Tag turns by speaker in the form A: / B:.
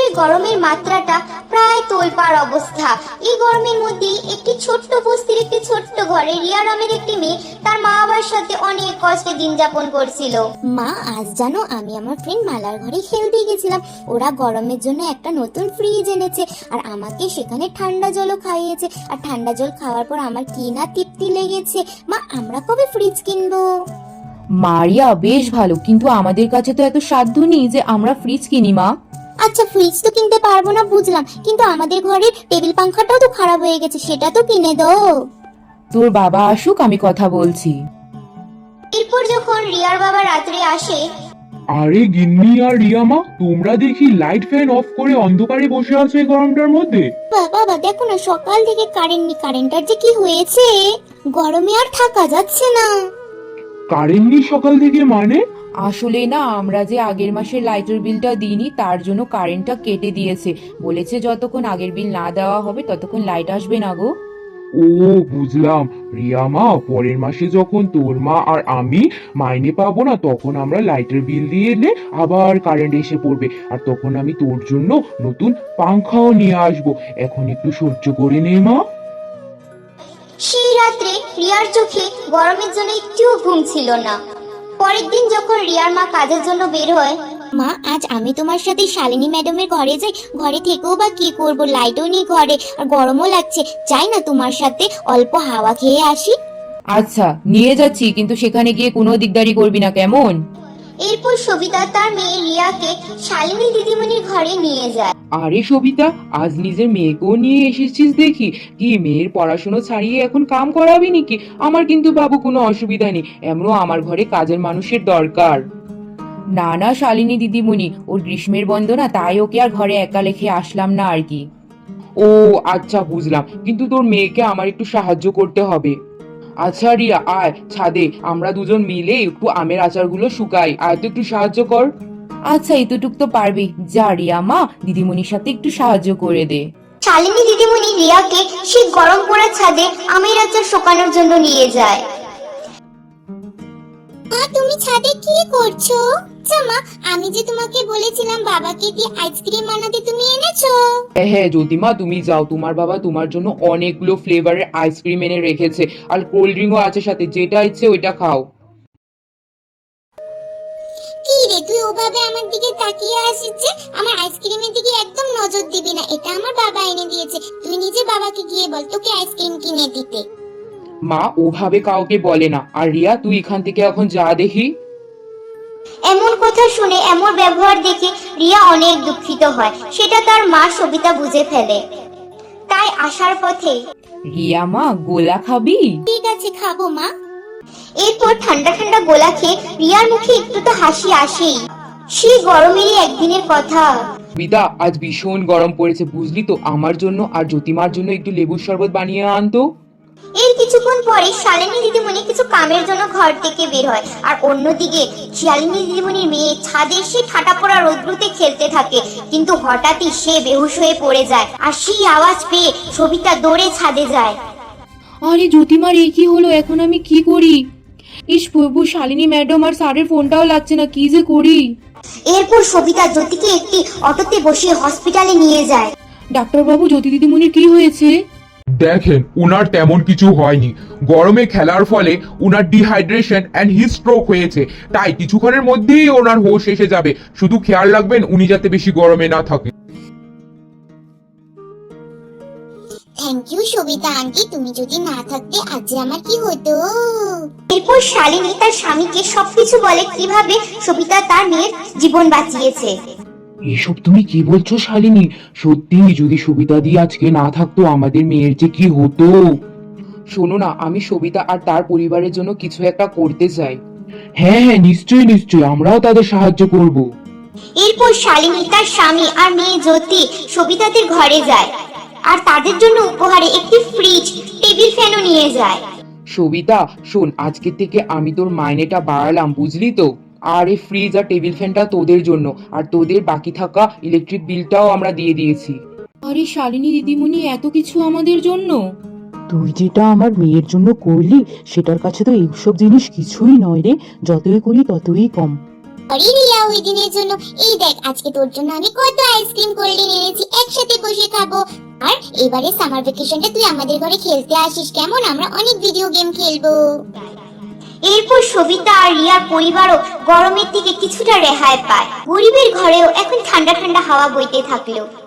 A: গরমের মাত্রাটা প্রায় তোলপাড় অবস্থা। এই গরমের মধ্যে একটি ছোট্ট বস্তির একটি ছোট্ট ঘরে রিয়া নামের একটি মেয়ে তার মা বাবার সাথে অনেক কষ্টে দিন যাপন করছিল। মা, আজ জানো আমি আমার ফ্রেন্ড মালার ঘরে খেলতে গেছিলাম। ওরা গরমের জন্য একটা নতুন ফ্রিজ এনেছে আর আমাকে সেখানে ঠান্ডা জলও খাইয়েছে। আর ঠান্ডা জল খাওয়ার পর আমার কি না তৃপ্তি লেগেছে। মা, আমরা কবে ফ্রিজ কিনবো?
B: মারিয়া, বেশ ভালো, কিন্তু আমাদের কাছে তো এত সাধ্য নেই যে আমরা ফ্রিজ কিনি মা।
A: আচ্ছা, ফ্রিজ তো কিনতে পারবো না বুঝলাম, কিন্তু আমাদের ঘরের টেবিল পাংখাটাও তো খারাপ হয়ে গেছে, সেটা তো কিনে দাও।
B: তোর বাবা আসুক, আমি কথা বলছি।
A: এরপর যখন রিয়ার বাবা রাত্রে আসে,
C: আরে গিন্নি আর রিয়া মা, তোমরা দেখি লাইট ফ্যান অফ করে অন্ধকারে বসে আছো এই গরমটার মধ্যে।
A: বাবা দেখো না, সকাল থেকে কারেন্ট নেই, কারেন্টটার যে কি হয়েছে, গরমে আর থাকা যাচ্ছে না।
C: কারেন্ট নেই সকাল থেকে মানে?
B: আসলে না, আমরা যে আগের মাসের লাইটের বিলটা দিইনি, তার জন্য কারেন্টটা কেটে দিয়েছে। বলেছে যতক্ষণ আগের বিল না দেওয়া হবে ততক্ষণ লাইট আসবে না গো।
C: ও বুঝলাম। রিয়া মা, পরের মাসে যখন তোর মা আর আমি মাইনে পাবো না, তখন আমরা লাইটের বিল দিয়ে এলে আবার কারেন্ট এসে পড়বে, আর তখন আমি তোর জন্য নতুন পাংখাও নিয়ে আসবো। এখন একটু সহ্য করে নে মা।
A: সেই রাত্রে রিয়ার চোখে গরমের জন্য একটুও ঘুম ছিল না। পরের দিন যখন রিয়ার মা কাজের জন্য বের হয়, মা আজ আমি তোমার সাথে শালিনী ম্যাডামের ঘরে যাই, ঘরে থেকেও বা কি করব, লাইটও নেই ঘরে আর গরমও লাগছে, যাই না তোমার সাথে অল্প হাওয়া খেয়ে আসি।
B: আচ্ছা, নিয়ে যাচ্ছি, কিন্তু সেখানে গিয়ে কোনো দিকদারি করবি না, কেমন?
A: এরপর সবিতা তার মেয়ে রিয়াকে শালিনী দিদিমণির ঘরে নিয়ে যায়।
B: আরে সবিতা, আজ নিজের মেয়েকেও নিয়ে এসেছিস দেখি। কি মেয়ের পড়াশোনা ছাড়িয়ে এখন কাম করাবি নাকি? আমার কিন্তু বাবু কোনো অসুবিধা নেই, এমনও আমার ঘরে কাজের মানুষের দরকার। না না শালিনী দিদিমণি, ওর গ্রীষ্মের বন্দনা, তাই ওকে আর ঘরে একা রেখে আসলাম না আর কি। ও আচ্ছা, বুঝলাম, কিন্তু তোর মেয়েকে আমার একটু সাহায্য করতে হবে। আচ্ছা রিয়া, আয় ছাদে, আমরা দুজন মিলে একটু আমের আচারগুলো শুকাই, আয় তো একটু সাহায্য কর। আচ্ছা, এতটুক তো পারবি, যা রিয়া মা, দিদিমণির সাথে একটু সাহায্য করে দে।
A: শালিনী দিদিমণি রিয়াকে সেই গরম পোড়া ছাদে আমের আচার শুকানোর জন্য নিয়ে যায়। মা, তুমি ছাদে কি করছো? মা, আমি যে তোমাকে বলেছিলাম বাবাকে দিয়ে আইসক্রিম বানাতে, তুমি এনেছো?
B: হ্যাঁ জ্যোতিমা, তুমি যাও, তোমার বাবা তোমার জন্য অনেকগুলো ফ্লেভারের আইসক্রিম এনে রেখেছে, আর কোল্ড ড্রিঙ্কও আছে সাথে, যেটা ইচ্ছে ওইটা খাও।
A: কি রে, তুই ওভাবে আমার দিকে তাকিয়ে আসিস যে? আমার আইসক্রিমের দিকে একদম নজর দিবি না, এটা আমার বাবা এনে দিয়েছে, তুই নিজে বাবাকে গিয়ে বল তোকে আইসক্রিম কিনে দিতে।
B: মা ওভাবে কাউকে বলে না। আর রিয়া, তুই এখান থেকে এখন যা দেখি।
A: এমন কথা শুনে, এমন ব্যবহার দেখে রিয়া অনেক দুঃখিত হয়, সেটা তার মা সবিতা বুঝে ফেলে। তাই আসার পথে,
B: রিয়া মা, গোলা খাবি?
A: ঠিক আছে খাবো মা। এরপর ঠান্ডা ঠান্ডা গোলা খেয়ে রিয়ার মুখে একটু তো হাসি আসেই। সেই গরমেরই একদিনের কথা।
B: বিদা, আজ ভীষণ গরম পড়েছে বুঝলি তো, আমার জন্য আর জ্যোতিমার জন্য একটু লেবুর শরবত বানিয়ে আনতো।
A: এর কিছুক্ষণ পরে শালিনী দিদিমণি কিছু কামের জন্য ঘর থেকে বের হয়, আর অন্যদিকে শালিনী দিদিমণির মেয়ে ছাদে সে ঠাটা পড়া রৌদ্রুতে খেলতে থাকে, কিন্তু হঠাৎই সে বেহুশ হয়ে পড়ে যায়, আর সেই আওয়াজ পেয়ে সবিতা দৌড়ে ছাদে যায়।
B: আরে জ্যোতিমার, এই কি হলো? এখন আমি কি করি? ইস প্রভু, শালিনী ম্যাডাম আর স্যারের ফোনটাও লাগছে না, কি যে করি।
A: এরপর সবিতা জ্যোতিকে একটি অটোতে বসিয়ে হসপিটালে নিয়ে যায়।
B: ডাক্তার বাবু, জ্যোতি দিদিমণির কি হয়েছে?
C: দেখেন, উনার তেমন কিছু হয়নি। গরমে খেলার ফলে উনার ডিহাইড্রেশন এন্ড হিট স্ট্রোক হয়েছে, তাই কিছুক্ষণের মধ্যেই ওনার হোশ এসে যাবে। শুধু খেয়াল রাখবেন উনি যাতে বেশি গরমে না থাকে।
A: থ্যাংক ইউ সবিতা আন্টি, তুমি যদি না থাকতে আজ আমার কি হতো। এরপর শালিনী তার স্বামীকে সবকিছু বলে কিভাবে সবিতা তার মেয়ের জীবন বাঁচিয়েছে।
B: এসব তুমি কি বলছো শালিনী? সত্যি, যদি সবিতা দি আজকে না থাকতো আমাদের মেয়ের যে কি হতো। শোনো না, আমি সবিতা আর তার পরিবারের জন্য কিছু একটা করতে চাই। হ্যাঁ হ্যাঁ, নিশ্চয়ই নিশ্চয়ই, আমরাও তাদের সাহায্য করব।
A: এরপর শালিনী তার স্বামী আর মেয়ে জ্যোতি সবিতাদের ঘরে যায়, আর তাদের জন্য উপহারে একটি ফ্রিজ, টেবিল ফ্যানও নিয়ে যায়।
B: সবিতা শোন, আজকে থেকে আমি তোর মাইনেটা বাড়ালাম বুঝলি তো, আর এই ফ্রিজ আর টেবিল ফ্যানটা তোদের জন্য, আর তোদের বাকি থাকা ইলেকট্রিক বিলটাও আমরা দিয়ে দিয়েছি। আরে শালিনী দিদিমণি, এত কিছু আমাদের জন্য?
D: তুই যেটা আমার মেয়ের জন্য করলি সেটার কাছে তো এইসব জিনিস কিছুই নয় রে, যতই করি ততই কম।
A: আরে রিয়া ওই দিনের জন্য। এই দেখ আজকে তোর জন্য আমি কত আইসক্রিম কোল্ড ড্রিঙ্ক এনেছি, একসাথে বসে খাবো। আর এবারে সামার ভ্যাকেশনটা তুই আমাদের ঘরে খেলতে আসিস কেমন? আমরা অনেক ভিডিও গেম খেলবো। এরপর সবিতা আর রিয়ার পরিবারও গরমের থেকে কিছুটা রেহাই পায়। গরিবের ঘরেও এখন ঠান্ডা ঠান্ডা হাওয়া বইতে থাকলো।